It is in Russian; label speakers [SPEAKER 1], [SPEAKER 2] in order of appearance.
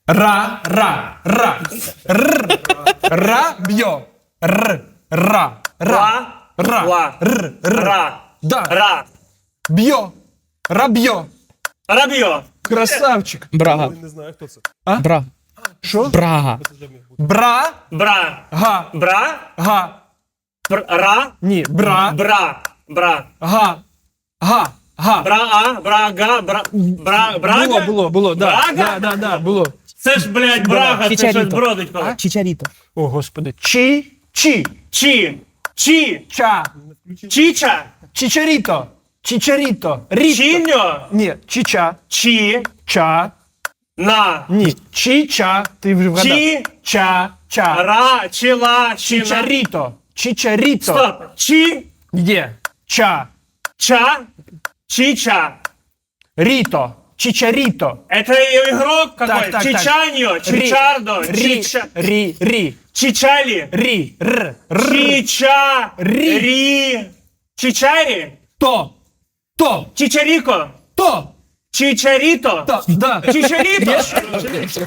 [SPEAKER 1] Ра. Рабьё. Ра.
[SPEAKER 2] Ла. Ра.
[SPEAKER 1] Да.
[SPEAKER 2] Ра.
[SPEAKER 1] Бьё. Рабьё.
[SPEAKER 2] Рабьо.
[SPEAKER 1] Красавчик.
[SPEAKER 3] Брага.
[SPEAKER 4] Не знаю, хто це.
[SPEAKER 3] Брага.
[SPEAKER 1] Що?
[SPEAKER 3] Брага.
[SPEAKER 1] Бра.
[SPEAKER 2] Бра.
[SPEAKER 1] Га.
[SPEAKER 2] Бра.
[SPEAKER 1] Га.
[SPEAKER 2] Ра.
[SPEAKER 1] Ні. Бра.
[SPEAKER 2] Бра. Бра.
[SPEAKER 1] Га. Га. Га.
[SPEAKER 2] Бра. Брага. Брага.
[SPEAKER 1] Було, да.
[SPEAKER 2] Брага?
[SPEAKER 1] Да, було.
[SPEAKER 2] Це ж, блядь, Брага, це щось
[SPEAKER 3] Чичаріто.
[SPEAKER 2] бродить коли.
[SPEAKER 3] Чичаріто.
[SPEAKER 1] О, господи. Чи. Ча.
[SPEAKER 2] Чича.
[SPEAKER 1] Чичаріто. Ріто.
[SPEAKER 2] Чиньо.
[SPEAKER 1] Ні. Чича.
[SPEAKER 2] Чи.
[SPEAKER 1] Ча.
[SPEAKER 2] На.
[SPEAKER 1] Ні. Чича. Ти вже вгадав.
[SPEAKER 2] Чи.
[SPEAKER 1] Ча.
[SPEAKER 2] Ра. Чила. Чина.
[SPEAKER 1] Чичаріто.
[SPEAKER 2] Стоп. Чи.
[SPEAKER 1] Где? Ча.
[SPEAKER 2] Ча. Чича.
[SPEAKER 1] Рито. Чичарито.
[SPEAKER 2] Это игрок какой?
[SPEAKER 1] Так.
[SPEAKER 2] Чичаньо. Чичардо. Чича.
[SPEAKER 1] Ри.
[SPEAKER 2] Чичали.
[SPEAKER 1] Ри. Р.
[SPEAKER 2] Чича.
[SPEAKER 1] Ри.
[SPEAKER 2] Ри. Чичари.
[SPEAKER 1] То.
[SPEAKER 2] Чичарико.
[SPEAKER 1] То.
[SPEAKER 2] Чичарито.
[SPEAKER 1] Да.
[SPEAKER 2] Чичарито.